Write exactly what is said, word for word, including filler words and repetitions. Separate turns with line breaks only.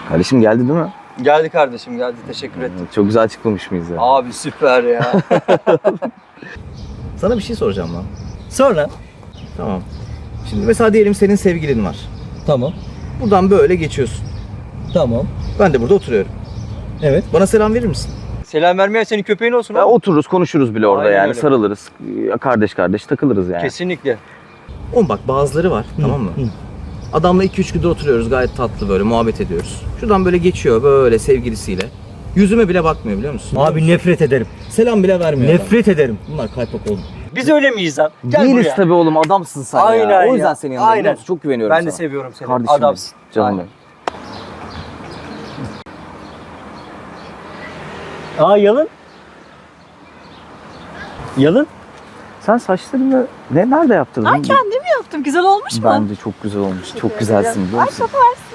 Kardeşim geldi değil mi?
Geldi kardeşim geldi. Teşekkür ettim.
Çok güzel açıklamış mıyız ya?
Abi süper ya.
Sana bir şey soracağım lan.
Sonra?
Tamam. Şimdi mesela diyelim senin sevgilin var.
Tamam.
Buradan böyle geçiyorsun.
Tamam.
Ben de burada oturuyorum.
Evet.
Bana selam verir misin?
Selam vermeyen senin köpeğin olsun
Ya
abi.
otururuz, konuşuruz bile orada
Aynen
yani.
öyle.
Sarılırız. Ya kardeş kardeş takılırız yani.
Kesinlikle.
Oğlum bak bazıları var, tamam mı?
Hı.
Adamla iki üç gündür oturuyoruz, gayet tatlı böyle muhabbet ediyoruz. Şuradan böyle geçiyor böyle sevgilisiyle. Yüzüme bile bakmıyor biliyor musun?
Abi nefret ederim.
Selam bile vermiyor adam.
Nefret ederim.
Bunlar kaypak oğlum.
Biz öyle miyiz lan? Gel
Değiliz
buraya.
tabii oğlum, adamsın sen
Aynen
ya. O
ya.
yüzden senin yanındayım.
Aynen.
biliyor musun? Çok güveniyorum
Ben
sana.
de seviyorum seni.
Kardeşim benim,
Adamsın.
canım
Aynen.
benim.
Aa yalın. Yalın.
Sen saçlarını ne nerede yaptırdın?
Ay kendim yaptım. Güzel olmuş mu?
Bence çok güzel olmuş. Çok güzelsin biliyor
Ay
musun?
çok varsın.